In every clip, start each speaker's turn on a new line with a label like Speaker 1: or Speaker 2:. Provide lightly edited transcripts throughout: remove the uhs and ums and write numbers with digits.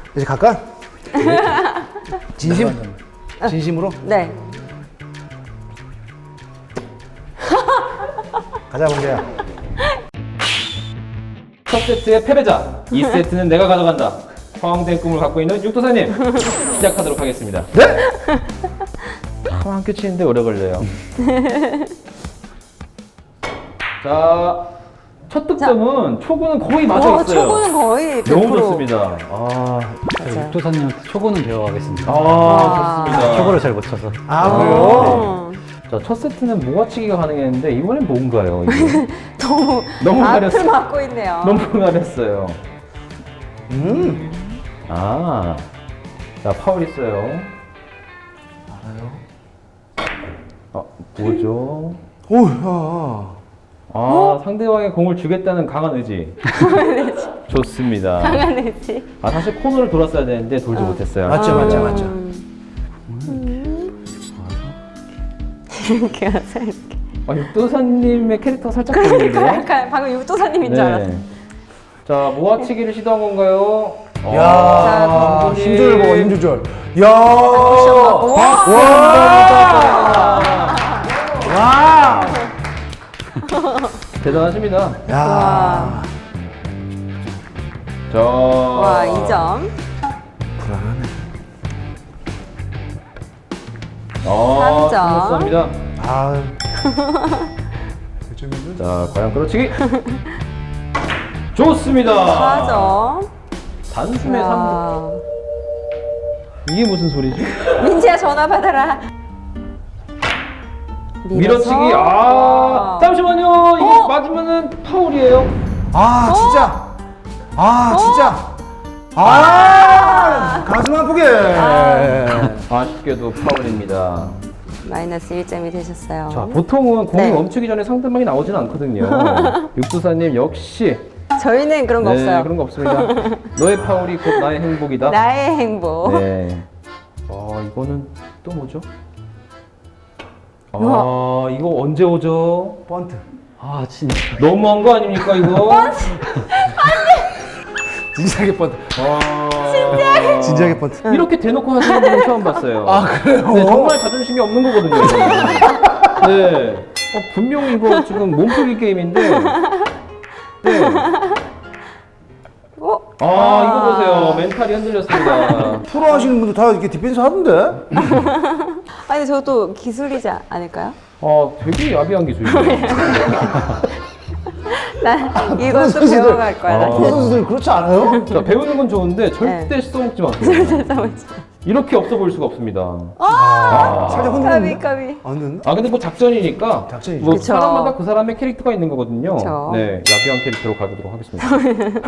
Speaker 1: 이제 갈까? 진심? 진심으로?
Speaker 2: 네.
Speaker 1: 가자, 문제야.
Speaker 3: 첫 세트의 패배자, 2세트는 내가 가져간다. 허황된 꿈을 갖고 있는 육도사님 시작하도록 하겠습니다.
Speaker 1: 네?
Speaker 3: 한 큐 치는데 오래 걸려요. 자, 첫 득점은 초구는 거의 맞아 있어요.
Speaker 2: 초구는 거의 100%.
Speaker 3: 너무 좋습니다.
Speaker 2: 맞아요.
Speaker 4: 육도사님한테 초보는 배워가겠습니다.
Speaker 3: 좋습니다.
Speaker 4: 초보를 잘 못 쳐서.
Speaker 1: 아, 그래요?
Speaker 3: 자, 첫 세트는 모아치기가 가능했는데 이번엔 뭔가요? 이게?
Speaker 2: 너무 앞을
Speaker 3: 가렸어요.
Speaker 2: 막고 있네요.
Speaker 3: 너무 가렸어요. 아, 자, 파울 있어요. 알아요? 뭐죠?
Speaker 1: 오, 야.
Speaker 3: 상대방의 공을 주겠다는 강한 의지. 좋습니다.
Speaker 2: 강한 의지.
Speaker 3: 사실 코너를 돌았어야 되는데 돌지 못했어요.
Speaker 1: 맞죠.
Speaker 2: 이렇게 하세요. 이렇게.
Speaker 3: 육도사님의 캐릭터가 살짝 보이는데요?
Speaker 2: 약간 방금 육도사님인 줄 알았어요.
Speaker 3: 자, 모아치기를 시도한 건가요?
Speaker 1: 야,
Speaker 2: 자,
Speaker 1: 힘 조절 먹어, 힘 조절. 야, 와,
Speaker 3: 대단하십니다.
Speaker 1: 야,
Speaker 3: 자,
Speaker 2: 와, 2점.
Speaker 1: 불안하네.
Speaker 2: 삼 점.
Speaker 3: 감사합니다.
Speaker 1: 아,
Speaker 3: 자, 과연 끌어치기. 좋습니다.
Speaker 2: 4점.
Speaker 3: 단숨에 3점. 이게 무슨 소리지?
Speaker 2: 민지야, 전화 받아라.
Speaker 3: 밀어치기.
Speaker 2: 와.
Speaker 3: 잠시만요. 이거 맞으면은 파울이에요.
Speaker 1: 아, 진짜. 가슴 아프게.
Speaker 3: 아쉽게도 파울입니다.
Speaker 2: 마이너스 1점이 되셨어요.
Speaker 3: 자, 보통은 공이
Speaker 2: 네.
Speaker 3: 멈추기 전에 상대방이 나오진 않거든요. 육두사님 역시
Speaker 2: 저희는 그런 거 없어요.
Speaker 3: 그런 거 없습니다. 너의 파울이 곧 나의 행복이다.
Speaker 2: 나의 행복.
Speaker 3: 네. 이거는 또 뭐죠? 이거 언제 오죠?
Speaker 1: 번트.
Speaker 4: 진짜.
Speaker 3: 너무한 거 아닙니까 이거?
Speaker 1: 진지하게 번트.
Speaker 3: 진짜?
Speaker 1: 진지하게 번트.
Speaker 3: 이렇게 대놓고 하시는 분은 처음 봤어요.
Speaker 1: 그래요?
Speaker 3: 네, 정말 자존심이 없는 거거든요. 네. 분명히 이거 지금 몸풀기 게임인데. 네. 이거 보세요. 멘탈이 흔들렸습니다.
Speaker 1: 프로 하시는 분들 다 이렇게 디펜스 하던데?
Speaker 2: 아니, 저도 기술이지 않을까요?
Speaker 3: 되게 야비한 기술이에요.
Speaker 2: 난 이것도 배워갈 거야. 나.
Speaker 1: 프로 선수들 그렇지 않아요?
Speaker 3: 자, 배우는 건 좋은데 절대 써먹지 마세요. 이렇게 없어 보일 수가 없습니다.
Speaker 1: 살짝 흔들리는데?
Speaker 2: 까비.
Speaker 1: 안 되는데?
Speaker 3: 근데 뭐 작전이니까
Speaker 1: 작전이죠.
Speaker 3: 뭐
Speaker 2: 그쵸.
Speaker 3: 사람마다 그 사람의 캐릭터가 있는 거거든요.
Speaker 2: 그쵸.
Speaker 3: 네, 야비한 캐릭터로 가보도록 하겠습니다.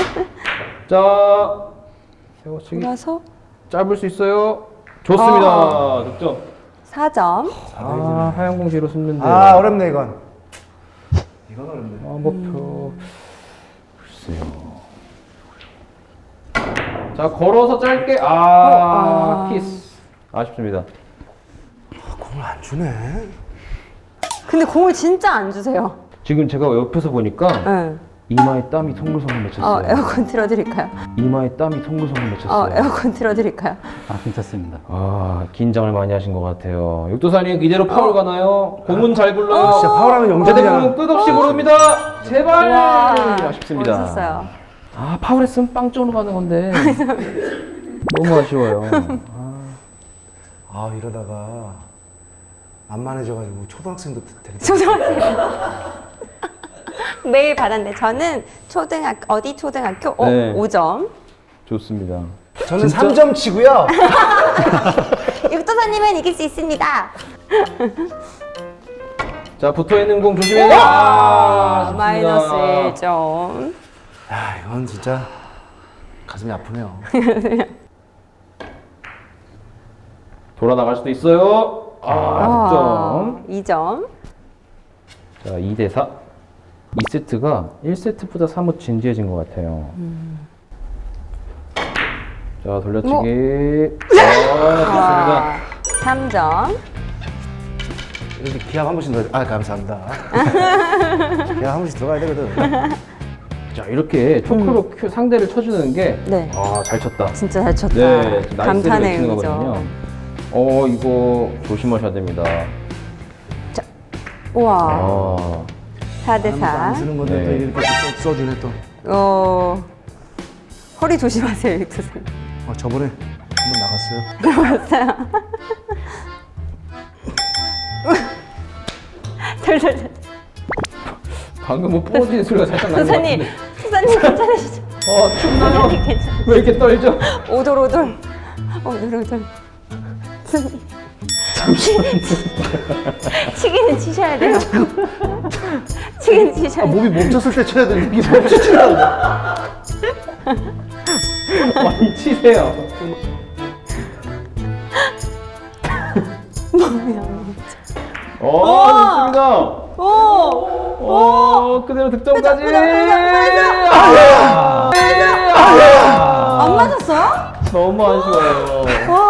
Speaker 3: 자, 세워치기
Speaker 2: 돌아서
Speaker 3: 짧을 수 있어요. 좋습니다. 득점.
Speaker 2: 4점.
Speaker 3: 하얀 공 뒤로 숨는데.
Speaker 1: 어렵네, 이건. 이건 어렵네.
Speaker 3: 목표. 글쎄요. 자, 걸어서 짧게. 키스. 아쉽습니다.
Speaker 1: 공을 안 주네.
Speaker 2: 근데 공을 진짜 안 주세요.
Speaker 3: 지금 제가 옆에서 보니까
Speaker 2: 응.
Speaker 3: 이마에 땀이 송글송글 맺혔어요.
Speaker 2: 에어컨 틀어드릴까요?
Speaker 3: 이마에 땀이 송글송글 맺혔어요.
Speaker 2: 에어컨 틀어드릴까요?
Speaker 4: 괜찮습니다.
Speaker 3: 긴장을 많이 하신 것 같아요. 육도사님 이대로 파울 가나요? 공은 잘 굴러요.
Speaker 1: 진짜 파울하면
Speaker 3: 제대공은
Speaker 1: 0점이잖아.
Speaker 3: 끝없이 부릅니다. 제발. 아쉽습니다.
Speaker 2: 멋있었어요.
Speaker 3: 파울했으면 빵점으로 가는 건데 너무 아쉬워요.
Speaker 1: 이러다가 안 만해져가지고 초등학생도 되게.
Speaker 2: 매일 받았는데 저는 어디 초등학교?
Speaker 3: 네.
Speaker 2: 5점.
Speaker 3: 좋습니다.
Speaker 1: 저는 3점 치고요.
Speaker 2: 육도사님은 이길 수 있습니다.
Speaker 3: 자, 붙어있는 공 조심해요. 아쉽습니다.
Speaker 2: 마이너스 1점.
Speaker 1: 야, 이건 진짜 가슴이 아프네요.
Speaker 3: 돌아 나갈 수도 있어요. 득점.
Speaker 2: 2점.
Speaker 3: 자, 2대4. 2세트가 1세트보다 사뭇 진지해진 것 같아요. 자, 돌려치기. 좋습니다.
Speaker 2: 3점.
Speaker 1: 이렇게 기합 한 번씩 넣어야 돼. 감사합니다. 기합 한 번씩 들어가야 되거든.
Speaker 3: 자, 이렇게 초크로 상대를 쳐주는 게,
Speaker 2: 네.
Speaker 3: 잘 쳤다.
Speaker 2: 진짜 잘 쳤다.
Speaker 3: 네, 나이스를
Speaker 2: 감탄의
Speaker 3: 외치는
Speaker 2: 의미죠.
Speaker 3: 거거든요. 이거 조심하셔야 됩니다.
Speaker 2: 우와.
Speaker 3: 아,
Speaker 2: 4대
Speaker 1: 안
Speaker 2: 4.
Speaker 1: 쓰는 건데
Speaker 3: 네.
Speaker 1: 또 이렇게 써주네 또.
Speaker 2: 허리 조심하세요, 육두선.
Speaker 1: 저번에 한번 나갔어요.
Speaker 2: 덜덜덜.
Speaker 3: 방금 뭐 부러지는 소리가 살짝 나는 것
Speaker 2: 도사님,
Speaker 3: 같은데.
Speaker 2: 도사님 괜찮으시죠?
Speaker 3: 춥나요?
Speaker 2: 도사님 괜찮으시죠?
Speaker 3: 왜 이렇게 떨죠?
Speaker 2: 오돌오돌. 오돌오돌. 도사님. 치기는 치셔야 돼요. 치기는 치셔야 돼요.
Speaker 1: 몸이 멈췄을 때 쳐야 되는데 이게 멈추질 않아.
Speaker 3: 많이 치세요. 좋습니다. 그대로 득점까지.
Speaker 2: 안 맞았어요?
Speaker 3: 너무 아쉬워요.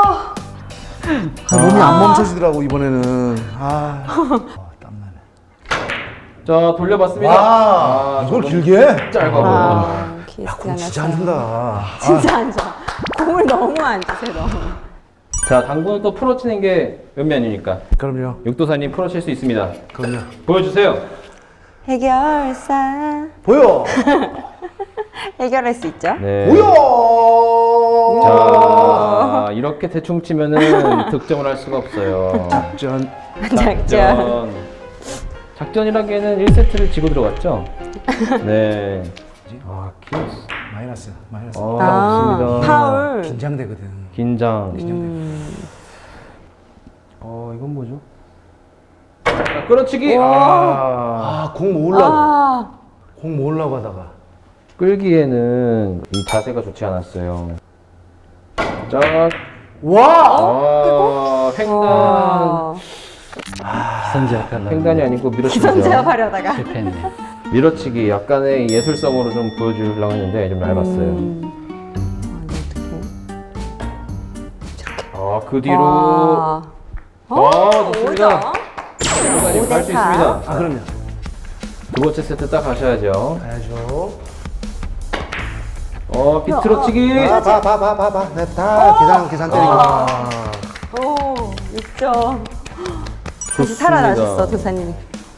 Speaker 1: 몸이 안 멈춰지더라고 이번에는. 땀나네.
Speaker 3: 자, 돌려봤습니다.
Speaker 1: 와, 이걸
Speaker 3: 조금
Speaker 1: 길게?
Speaker 3: 짧아.
Speaker 2: 기스가
Speaker 1: 진짜 안 준다.
Speaker 2: 진짜 안 좋아. 공을 너무 안 주세요, 너무.
Speaker 3: 자, 당구는 또 프로 치는 게 면면이니까.
Speaker 1: 그럼요.
Speaker 3: 육도사님 프로 칠 수 있습니다.
Speaker 1: 그럼요.
Speaker 3: 보여주세요.
Speaker 2: 해결사.
Speaker 1: 보여.
Speaker 2: 해결할 수 있죠?
Speaker 3: 네.
Speaker 1: 보여.
Speaker 3: 자, 이렇게 대충 치면은 득점을 할 수가 없어요.
Speaker 1: 작전.
Speaker 2: 작전.
Speaker 3: 작전이라기에는 1세트를 지고 들어갔죠? 네. 키스.
Speaker 1: 마이너스.
Speaker 3: 없습니다.
Speaker 2: 파울.
Speaker 1: 긴장되거든.
Speaker 3: 긴장. 이건 뭐죠? 자, 끌어치기.
Speaker 1: 공 모으려고.
Speaker 2: 아,
Speaker 1: 공 모으려고 하다가.
Speaker 3: 끌기에는 이 자세가 좋지 않았어요. 자,
Speaker 1: 와.
Speaker 3: 횡단.
Speaker 2: 와.
Speaker 4: 기선제압 하려고
Speaker 3: 횡단이 아니고 밀어치기죠.
Speaker 2: 기선제압 하려다가.
Speaker 4: 실패했네요.
Speaker 3: 밀어치기 약간의 예술성으로 좀 보여주려고 했는데 좀 얇았어요. 그 뒤로. 좋습니다.
Speaker 2: 오죠?
Speaker 3: 갈수 있습니다.
Speaker 1: 그럼요.
Speaker 3: 두 번째 세트 딱 가셔야죠.
Speaker 1: 가야죠.
Speaker 3: 비틀어치기.
Speaker 1: 봐. 다 계산 때리고.
Speaker 2: 오, 6점. 다시
Speaker 3: 좋습니다.
Speaker 2: 살아나셨어, 도사님이.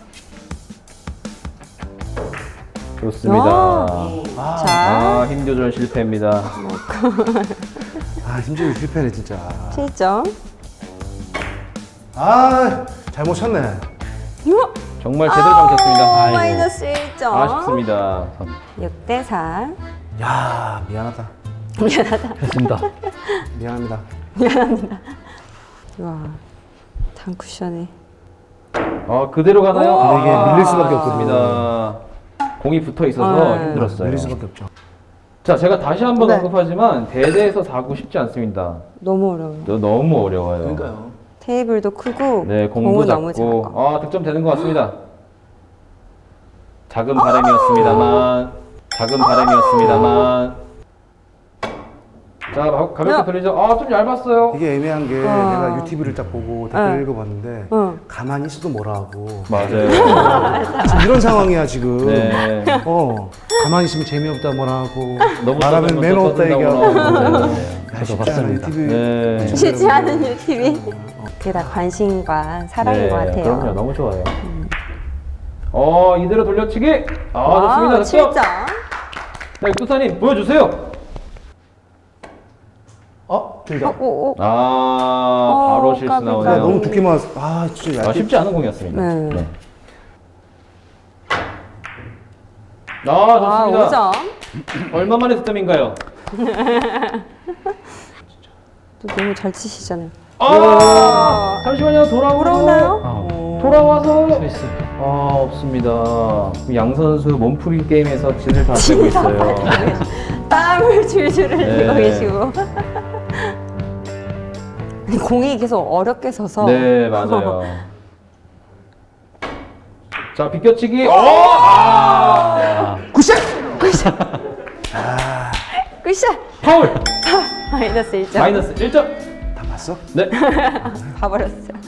Speaker 3: 좋습니다.
Speaker 2: 자,
Speaker 3: 힘 조절 실패입니다.
Speaker 1: 힘주기 실패네 진짜.
Speaker 2: 7점.
Speaker 1: 잘못 쳤네.
Speaker 3: 정말 제대로 감췄습니다. 아이고.
Speaker 2: 마이너스 1점.
Speaker 3: 아쉽습니다.
Speaker 2: 6대 4.
Speaker 1: 야, 미안하다.
Speaker 4: 됐습니다.
Speaker 1: 미안합니다.
Speaker 2: 와, 단쿠션에.
Speaker 3: 그대로 가나요?
Speaker 1: 이게 밀릴 수밖에
Speaker 3: 없습니다. 공이 붙어 있어서 힘들었어요.
Speaker 1: 밀릴 수밖에 없죠.
Speaker 3: 자, 제가 다시 한번
Speaker 2: 네.
Speaker 3: 언급하지만 대대에서 사고 쉽지 않습니다.
Speaker 2: 너무 어려워요.
Speaker 3: 너무 어려워요.
Speaker 1: 그러니까요.
Speaker 2: 테이블도 크고
Speaker 3: 네, 공도
Speaker 2: 공은 너무
Speaker 3: 작고.
Speaker 2: 작아.
Speaker 3: 득점 되는 것 같습니다. 작은 바람이었습니다만. 자, 가볍게 돌리죠. 좀 얇았어요.
Speaker 1: 이게 애매한 게 내가 UTV를 딱 보고 댓글 읽어봤는데
Speaker 2: 응.
Speaker 1: 가만히 있어도 뭐라 하고
Speaker 3: 맞아요.
Speaker 1: 지금 이런 상황이야 지금.
Speaker 3: 네.
Speaker 1: 가만히 있으면 재미없다 뭐라 하고
Speaker 3: 너무
Speaker 1: 말하면
Speaker 3: 떠들면
Speaker 1: 매너
Speaker 3: 또
Speaker 1: 없다
Speaker 3: 떠든다고
Speaker 1: 얘기하고.
Speaker 3: 나오고.
Speaker 1: 야,
Speaker 4: 저도
Speaker 1: 쉽지 않아,
Speaker 4: 봤습니다.
Speaker 1: 유튜브.
Speaker 3: 네.
Speaker 2: 쉽지 않은 유티비. 그게 다 관심과 사랑인 것 같아요.
Speaker 3: 그럼요. 너무 좋아요. 이대로 돌려치기.
Speaker 2: 와,
Speaker 3: 좋습니다.
Speaker 2: 7점.
Speaker 3: 자, 육도사님 보여주세요.
Speaker 1: 길다.
Speaker 3: 바로 실수
Speaker 2: 까비,
Speaker 3: 나오네요.
Speaker 2: 까비.
Speaker 1: 너무 두께 맞았어. 진짜 얇게.
Speaker 3: 쉽지 않은 공이었습니다.
Speaker 2: 네.
Speaker 3: 좋습니다.
Speaker 2: 5점.
Speaker 3: 얼마 만에 득점인가요?
Speaker 2: 또 너무 잘 치시잖아요.
Speaker 3: 잠시만요.
Speaker 2: 돌아오나요?
Speaker 3: 돌아와서
Speaker 4: 스위스.
Speaker 3: 없습니다. 양 선수 몸풀기 게임에서 진을 다 빼고 있어요.
Speaker 2: 땀을 줄줄 흘리고
Speaker 3: 네.
Speaker 2: 계시고. 아니, 공이 계속 어렵게 서서.
Speaker 3: 네, 맞아요. 자, 비껴치기.
Speaker 1: 굿샷!
Speaker 2: 굿샷!
Speaker 3: 파울.
Speaker 2: 마이너스 1점.
Speaker 3: 마이너스 1점.
Speaker 1: 다 봤어?
Speaker 3: 네.
Speaker 2: 봐버렸어요.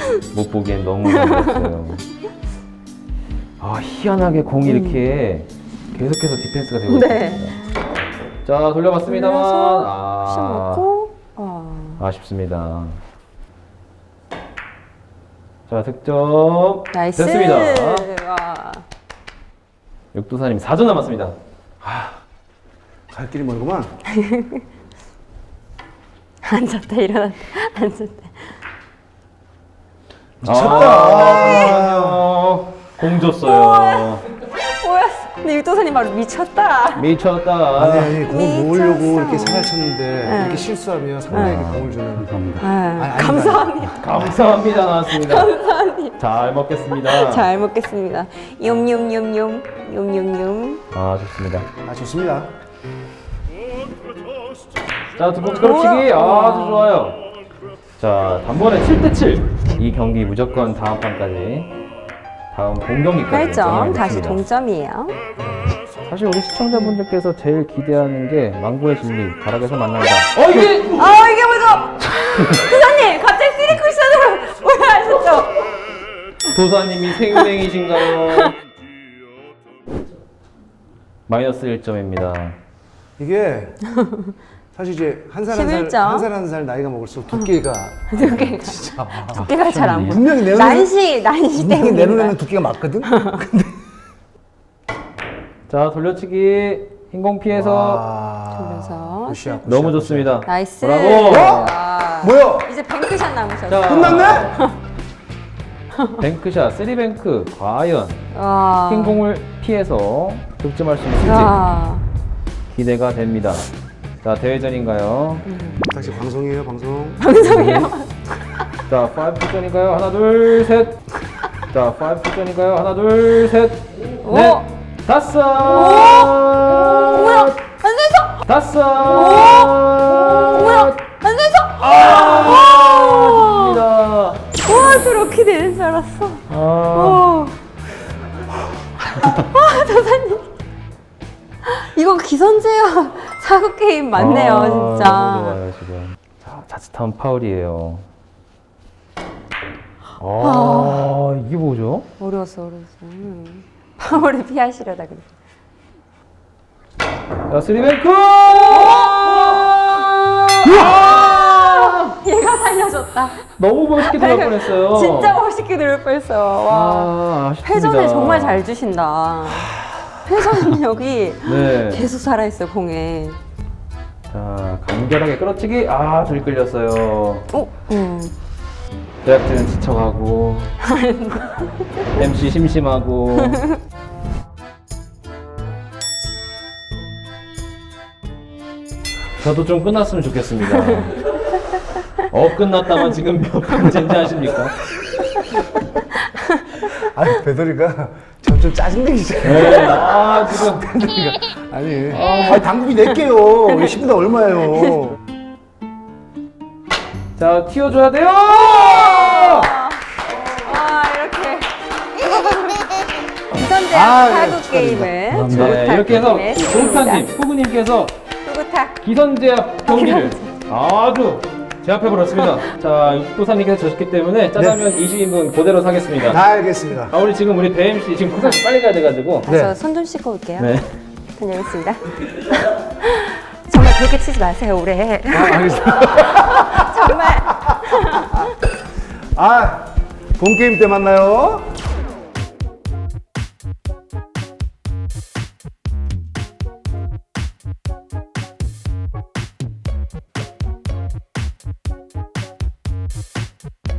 Speaker 3: 못 보기엔 너무 어려웠어요. 희한하게 공이 이렇게 계속해서 디펜스가 되고 있습니다.
Speaker 2: 네.
Speaker 3: 자, 돌려봤습니다만
Speaker 2: 돌려서 심었고.
Speaker 3: 아쉽습니다. 자, 득점
Speaker 2: 나이스.
Speaker 3: 됐습니다.
Speaker 2: 와.
Speaker 3: 육도사님 4점 남았습니다.
Speaker 1: 갈 길이 멀구만.
Speaker 2: 앉았다 일어났다 앉았다.
Speaker 3: 잠시만요. 공 줬어요.
Speaker 2: 뭐였어? 근데 육도사님 바로 미쳤다.
Speaker 3: 미쳤다.
Speaker 1: 아니 공을 모으려고
Speaker 2: 미쳤어.
Speaker 1: 이렇게 살을 쳤는데
Speaker 2: 네.
Speaker 1: 이렇게 실수하면 상대에게 공을 주는.
Speaker 4: 감사합니다.
Speaker 1: 아니,
Speaker 2: 감사합니다.
Speaker 3: 감사합니다 나왔습니다. 감사합니다. 잘 먹겠습니다.
Speaker 2: 잘 먹겠습니다. 욤욤욤욤 욤욤욤.
Speaker 3: 아, 좋습니다.
Speaker 1: 아 좋습니다.
Speaker 3: 자, 두 번째 걸치기 아주 좋아요. 자, 단번에 7대7. 이 경기 무조건 다음 판까지, 다음 본 경기까지
Speaker 2: 8점 다시
Speaker 3: 진행하겠습니다.
Speaker 2: 동점이에요.
Speaker 3: 사실 우리 시청자분들께서 제일 기대하는 게 망고의 진리 다락에서 만난다. 이게
Speaker 2: 이게 뭐죠? 도사님 갑자기 3쿠션으로 올라가셨죠?
Speaker 3: 도사님이 생맹이신가요? 마이너스 1점입니다.
Speaker 1: 이게 사실 이제 한 살
Speaker 2: 11점.
Speaker 1: 나이가 먹을수록 두께가
Speaker 2: 두께가 잘 안 보여.
Speaker 1: 분명히 내
Speaker 2: 난시
Speaker 1: 분명히
Speaker 2: 땡기는
Speaker 1: 내
Speaker 2: 거야.
Speaker 1: 눈에는 두께가 맞거든. 근데
Speaker 3: 자, 돌려치기 흰공 피해서
Speaker 2: 돌려서
Speaker 1: 굿이야, 굿이야,
Speaker 3: 너무
Speaker 1: 굿이야.
Speaker 3: 좋습니다.
Speaker 2: 나이스.
Speaker 3: 브라보.
Speaker 2: 와.
Speaker 1: 뭐야?
Speaker 2: 이제 뱅크샷 남으셨어.
Speaker 3: 자,
Speaker 1: 끝났네?
Speaker 3: 뱅크샷, 3뱅크 과연
Speaker 2: 와.
Speaker 3: 흰공을 피해서 득점할 수 있을지
Speaker 2: 야.
Speaker 3: 기대가 됩니다. 자, 대회전인가요?
Speaker 1: 다시 방송이에요, 방송.
Speaker 2: 방송이요.
Speaker 3: 자, 5득점인가요? 하나, 둘, 셋. 자, 5득점인가요? 하나, 둘, 셋.
Speaker 2: 오.
Speaker 3: 넷, 다섯.
Speaker 2: 뭐야? 안 돼서?
Speaker 3: 다섯.
Speaker 2: 뭐야? 안 돼서?
Speaker 3: 좋습니다.
Speaker 2: 와, 저렇게 되는 줄 알았어. 오. 도사님. 이거 기선제압 사고 게임 맞네요,
Speaker 3: 너무
Speaker 2: 진짜.
Speaker 3: 좋아요, 지금. 자, 자칫하면 파울이에요. 이게 뭐죠?
Speaker 2: 어려웠어. 파워를 피하시려다 그래.
Speaker 3: 자, 3뱅크!
Speaker 2: 얘가 살려줬다.
Speaker 3: 너무 멋있게 들어갈 뻔했어요.
Speaker 2: 진짜 멋있게 들을 뻔했어요. 와.
Speaker 3: 아쉽습니다.
Speaker 2: 회전을 정말 잘 주신다. 회전력이
Speaker 3: 네.
Speaker 2: 계속 살아있어요, 공에.
Speaker 3: 자, 간결하게 끌어치기. 줄 끌렸어요. 제작진은 지쳐가고 MC 심심하고. 저도 좀 끝났으면 좋겠습니다. 끝났다만 지금 몇 번째인지 아십니까?
Speaker 1: 아니 배돌이가 점점 짜증내기 시작해.
Speaker 3: 네, 지금
Speaker 1: 아니 당구비 낼게요. 10분당 얼마예요?
Speaker 3: 자, 튀어줘야 돼요.
Speaker 2: 이렇게. 기선제압 사구 게임을.
Speaker 3: 네, 이렇게 해서
Speaker 2: 진행했습니다.
Speaker 3: 동타님, 후구님께서
Speaker 2: 후구탁.
Speaker 3: 기선제압 경기를 아주 제압해버렸습니다. 자, 육도사님께서 졌기 때문에 짜장면 20인분 그대로 사겠습니다.
Speaker 1: 알겠습니다.
Speaker 3: 우리 지금 우리 배 MC 지금 고사씨 빨리 가야 돼가지고.
Speaker 1: 네.
Speaker 2: 저 손 좀 씻고 올게요.
Speaker 3: 네.
Speaker 2: 다녀오겠습니다. 정말 그렇게 치지 마세요, 올해.
Speaker 1: 알겠습니다.
Speaker 2: 정말.
Speaker 1: 본 게임 때 만나요.